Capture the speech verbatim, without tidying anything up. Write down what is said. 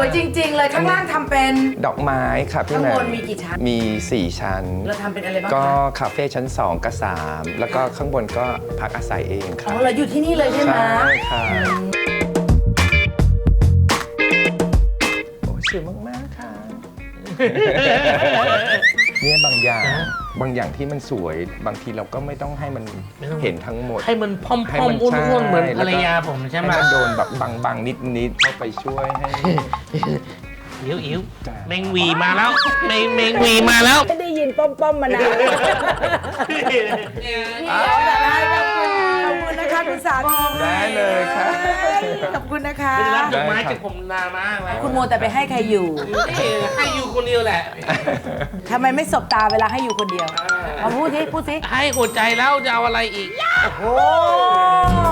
วยจริงๆเลยข้างล่างทำเป็นดอกไม้ค่ะพี่ข้างแหม่บมนมีกี่ชั้นมีสี่ชั้นเราทำเป็นอะไรบ้างก็คะคาเฟ่ชั้นสองกับสามแล้วก็ข้างบนก็พักอาศัยเองคอ๋รัอบ เราอยู่ที่นี่เลยใช่ไหมใช่ค่ะโอ้สวยมากๆค่ะ เนี่ยบางอย่างบางอย่างที่มันสวยบางทีเราก็ไม่ต้องให้มันไม่ต้องเห็นทั้งหมดให้มันพอมให้พอมมันอ้ใช่วนๆเหมือนภรรแล้วก็ยาผมใช่ไหมให้มันโดนแบบบางๆนิดๆเข้าไปช่วยให้อิ๋วอิ๋วจ้ะแมงหวีมาแล้วแมงแมงหวีมาแล้วไม่ได้ยินป้อมป้อมๆมานานขอบคุณนะคะคุณสามีได้เลยค่ะขอบคุณนะคะเป็นรับดอกไม้ได้ครับจากผมนานมากแล้วคุณโมแต่ไปให้ใครอยู่นี่ให้อยู่คนเดียวแหละทำไมไม่สบตาเวลาให้อยู่คนเดียวมาพูดสิพูดสิให้หัวใจแล้วจะเอาอะไรอีกโอ้